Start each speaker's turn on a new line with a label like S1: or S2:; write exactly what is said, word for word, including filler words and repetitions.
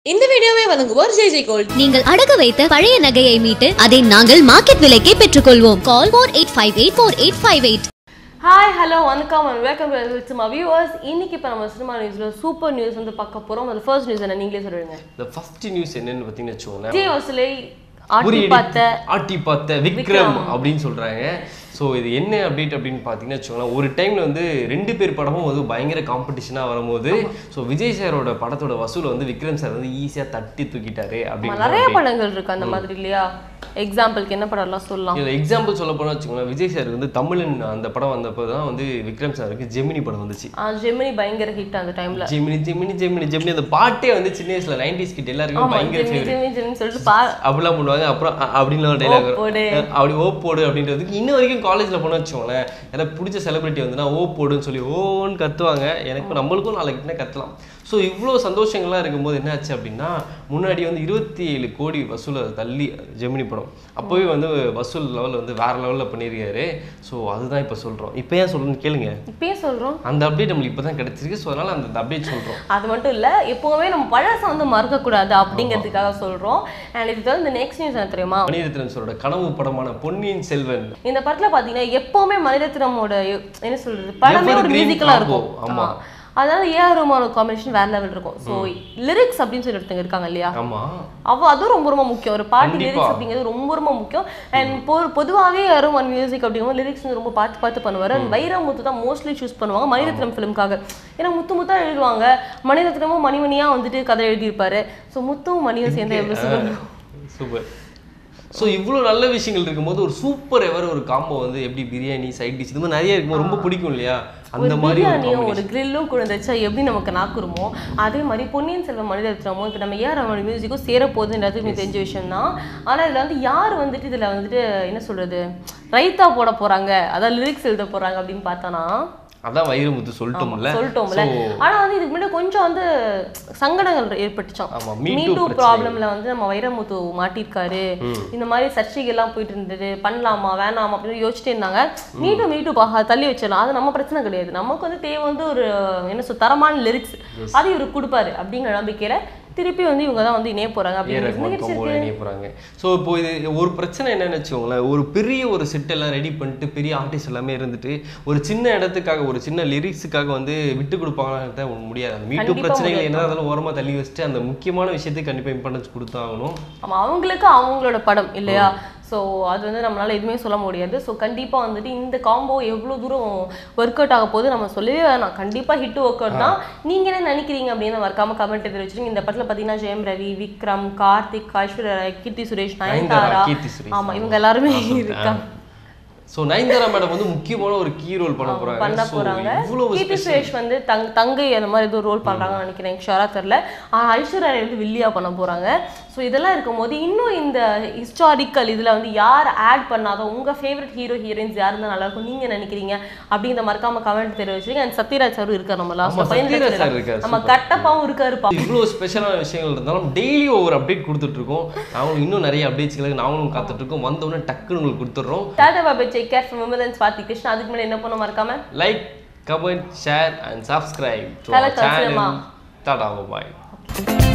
S1: இந்த வீடியோவை வழங்குவோர் ஜேஜே கோல்ட்.
S2: நீங்கள் அடகு வைத்த பழைய நகையை மீட்டு அதை நாங்கள் மார்க்கெட் விலைக்கே பெற்றுக்கொள்வோம். Call four eight five eight four eight five eight.
S1: Hi hello வணக்கம் and welcome to cinema viewers. இன்னைக்கு இப்போ நம்ம சினிமா நியூஸ்ல சூப்பர் நியூஸ் வந்து பார்க்க போறோம். அது ஃபர்ஸ்ட் நியூஸ் என்ன நீங்களே சொல்லுங்க.
S3: The first நியூஸ் என்னன்னு பார்த்தீங்கன்னா வெச்சுக்கோங்க.
S1: விஜய் வசூலை ஆட்டி பார்த்த
S3: ஆட்டி பார்த்த விக்ரம் அப்படின்னு சொல்றாங்க. ஸோ இது என்ன அப்டேட் அப்படின்னு பார்த்தீங்கன்னா வச்சுக்கோங்களேன், ஒரு டைமில் வந்து ரெண்டு பேர் படமும் வந்து பயங்கர காம்படிஷனாக வரும்போது ஸோ விஜய் சாரோட படத்தோட வசூலை வந்து விக்ரம் சார் வந்து ஈஸியாக தட்டி தூக்கிட்டாரு அப்படின்னு
S1: நிறைய படங்கள் இருக்கு அந்த மாதிரி இல்லையா? எக்ஸாம்பிளுக்கு என்ன படம்லாம் சொல்லலாம்?
S3: இல்லை எக்ஸாம்பிள் சொல்ல போனால் வச்சுக்கோங்களேன், விஜய் சார் வந்து தமிழன் அந்த படம் வந்தப்போ தான் வந்து விக்ரம் சாருக்கு ஜெமினி படம் வந்துச்சு.
S1: ஜெமினி பயங்கர ஹிட் அந்த டைம்ல.
S3: ஜெமினி ஜெமினி ஜெமினி ஜெமினி அந்த பாட்டே வந்து சின்ன வயசுல நைன்டிஸ் கிட்ட எல்லாருக்குமே பயங்கர ஃபேவரட்
S1: சொல்லிட்டு
S3: அப்படிலாம் பண்ணுவாங்க. அப்புறம் அப்படின்னு ஒரு டைலாக் அப்படி ஓ போடு அப்படின்றதுக்கு இன்னும் வரைக்கும் காலேஜில் போன வச்சுக்கோங்களேன், எனக்கு பிடிச்ச செலிபிரிட்டி வந்துன்னா ஓ போடுன்னு சொல்லி ஓன்னு கத்துவாங்க. எனக்கு நம்மளுக்கும் நாளைக்கு கத்தலாம். ஸோ இவ்வளோ சந்தோஷங்கள்லாம் இருக்கும்போது என்ன ஆச்சு அப்படின்னா, முன்னாடி வந்து இருபத்தி ஏழு கோடி வசூலை தள்ளி ஜெமினி படம் அப்போவே வந்து வசூல் லெவலில் வந்து வேற லெவலில் பண்ணியிருக்காரு. ஸோ அதுதான் இப்போ சொல்கிறோம். இப்போ ஏன் சொல்கிறோன்னு கேளுங்க.
S1: இப்பயே சொல்கிறோம்.
S3: அந்த அப்டேட் நம்மளுக்கு இப்போ தான் கிடைச்சிருக்கு. ஸோ அதனால் அந்த அப்டேட் சொல்கிறோம்.
S1: அது மட்டும் இல்லை, எப்போவுமே நம்ம பழசை வந்து மறக்கக்கூடாது அப்படிங்கிறதுக்காக சொல்கிறோம். அண்ட் இது வந்து நெக்ஸ்ட் நியூஸ் என்ன தெரியுமா?
S3: மணிரத்னம் சாரோட கனவு படமான பொன்னியின் செல்வன்.
S1: இந்த படத்தில் பார்த்தீங்கன்னா எப்போவுமே மணிரத்னமோட என்ன சொல்கிறது படமே ஒரு மியூசிக்கலாக இருக்கும். ஆமாம், அதனால ஏஆர் ரஹ்மானோட காம்பினேஷன் வேற லெவல் இருக்கும். ஸோ லிரிக்ஸ் அப்படின்னு சொல்லி ஒருத்தங்க இருக்காங்க இல்லையா, அவ அதுவும் ரொம்ப ரொம்ப முக்கியம். ஒரு பாட்டு லிரிக்ஸ் அப்படிங்கிறது ரொம்ப ரொம்ப முக்கியம். அண்ட் பொ பொதுவாகவே யாரும் ஒன் மியூசிக் அப்படிங்கும்போது லிரிக்ஸ் வந்து ரொம்ப பார்த்து பார்த்து பண்ணுவார். அண்ட் வைரமுத்து தான் மோஸ்ட்லி சூஸ் பண்ணுவாங்க மணிரத்னம் ஃபிலிம்காக. ஏன்னா முத்து முத்தா எழுதுவாங்க, மணிரத்னமும் மணிமணியாக வந்துட்டு கதை எழுதியிருப்பாரு. ஸோ முத்தும் மணியும் சேர்ந்து எவ்வளோ
S3: சூப்பர். ஸோ இவ்வளோ நல்ல விஷயங்கள் இருக்கும்போது ஒரு சூப்பர் எவர் ஒரு காம்போ வந்து எப்படி பிரியாணி சைட் டிஷ் இது மாதிரி நிறைய இருக்கும், ரொம்ப பிடிக்கும் இல்லையா? அந்த மாதிரி
S1: பிரியாணியும் ஒரு கிரில்லும் குழந்தைச்சா எப்படி நமக்கு நாக்குருமோ அதே மாதிரி பொன்னியின் செல்வன் மணிரத்னமும் இப்போ நம்ம ஏஆர் ரஹ்மான் மியூசிக்கும் சேரப்போகுதுன்றது எனக்கு தெரிஞ்ச விஷயம் தான். ஆனால் இதில் வந்து யார் வந்துட்டு இதில் வந்துட்டு என்ன சொல்றது ரைத்தா போட போறாங்க, அதாவது லிரிக்ஸ் எழுத போறாங்க அப்படின்னு பார்த்தோன்னா
S3: அதான் வைரமுத்து சொல்லிட்டோம்ல
S1: சொல்லிட்டோம்ல ஆனா வந்து இதுக்கு முன்னாடி கொஞ்சம் வந்து சங்கடங்கள் ஏற்பட்டுச்சோம். மீ டூ ப்ராப்ளம்ல வந்து நம்ம வைரமுத்து மாட்டிருக்காரு, இந்த மாதிரி சர்ச்சைகள் எல்லாம் போயிட்டு இருந்தது, பண்ணலாமா வேணாமா அப்படின்னு யோசிச்சுட்டே இருந்தாங்க. மீ டூ மீ டூ தள்ளி வச்சிடலாம், அது நம்ம பிரச்சனை கிடையாது. நமக்கு வந்து தேவை வந்து ஒரு என்ன சொல் தரமான லிரிக்ஸ், அது இவரு கொடுப்பாரு அப்படிங்கிற நம்பிக்கையில திருப்பி வந்து இவங்க தான் வந்து இணைய போறாங்க
S3: அப்படின்னு. ஸோ இப்போ இது ஒரு பிரச்சனை என்னன்னு வச்சுக்கோங்களேன், ஒரு பெரிய ஒரு செட் எல்லாம் ரெடி பண்ணிட்டு பெரிய ஆர்டிஸ்ட் எல்லாமே இருந்துட்டு ஒரு சின்ன இடத்துக்காக ஒரு சின்ன லிரிக்ஸுக்காக வந்து விட்டு கொடுப்பாங்கன்னு முடியாது. அந்த மீட்டு பிரச்சனைகள் என்ன அதெல்லாம் ஓரமா தள்ளி வச்சுட்டு அந்த முக்கியமான விஷயத்துக்கு கண்டிப்பா இம்பார்ட்டன்ஸ் கொடுத்தாகணும்.
S1: ஆமா, அவங்களுக்கு அவங்களோட படம் இல்லையா? ஸோ அது வந்து நம்மளால எதுவுமே சொல்ல முடியாது. ஸோ கண்டிப்பாக வந்துட்டு இந்த காம்போ எவ்வளோ தூரம் ஒர்க் அவுட் ஆக போது நம்ம சொல்லவே வேணாம். கண்டிப்பாக ஹிட் ஒர்க் அவுட் தான். நீங்கள் என்ன நினைக்கிறீங்க அப்படின்னு மறக்காம கமெண்ட் தெரிவிச்சிருங்க. இந்த படத்தில் பார்த்தீங்கன்னா ஜெயம் ரவி, விக்ரம், கார்த்திக், ஐஸ்வர்யா ராய், கீர்த்தி சுரேஷ், நயன்தாரா, ஆமாம் இவங்க எல்லாருமே இருக்காங்க.
S3: ஸோ நயன்தாரா மேடம் வந்து முக்கியமான ஒரு கீ ரோல் பண்ண போறாங்க
S1: பண்ண போறாங்க கீர்த்தி சுரேஷ் வந்து தங் தங்கை அந்த மாதிரி ஏதோ ரோல் பண்றாங்கன்னு நினைக்கிறேன், ஷோரா தெரியல. ஆனால் ஐஸ்வர்யா ராய் வந்து வில்லியா பண்ண போறாங்க. ஸோ இதெல்லாம் இருக்கும்போது இன்னும் இந்த ஹிஸ்டாரிக்கல் இதில் வந்து யார் ஆட் பண்ணாதோ உங்கள் ஃபேவரட் ஹீரோ ஹீரோயின்ஸ் யார் இருந்தால் நல்லா இருக்கும் நீங்கள் நினைக்கிறீங்க அப்படிங்கிற மறக்காம கமெண்ட் தெரிவிச்சிருங்க. அண்ட் சத்யராஜ் சாரும் இருக்கார், நம்ம லாஸ்ட் நம்ம கட்டப்பாவும் இருக்காருப்பா.
S3: இவ்வளோ ஸ்பெஷலான விஷயங்கள் இருந்தாலும் டெய்லி ஒவ்வொரு அப்டேட் கொடுத்துட்டு இருக்கோம். நாங்களும் இன்னும் நிறைய அப்டேட்ஸ்களுக்கு நாங்களும் காத்துட்டு இருக்கோம். வந்தோடனே டக்குன்னு உங்களுக்கு கொடுத்துட்றோம்.
S1: Tata bye, take care from Vimalan Swathi Krishna. அதுக்கு மேலே என்ன பண்ண மறக்காம
S3: like, comment, share and subscribe to our channel. Tata bye.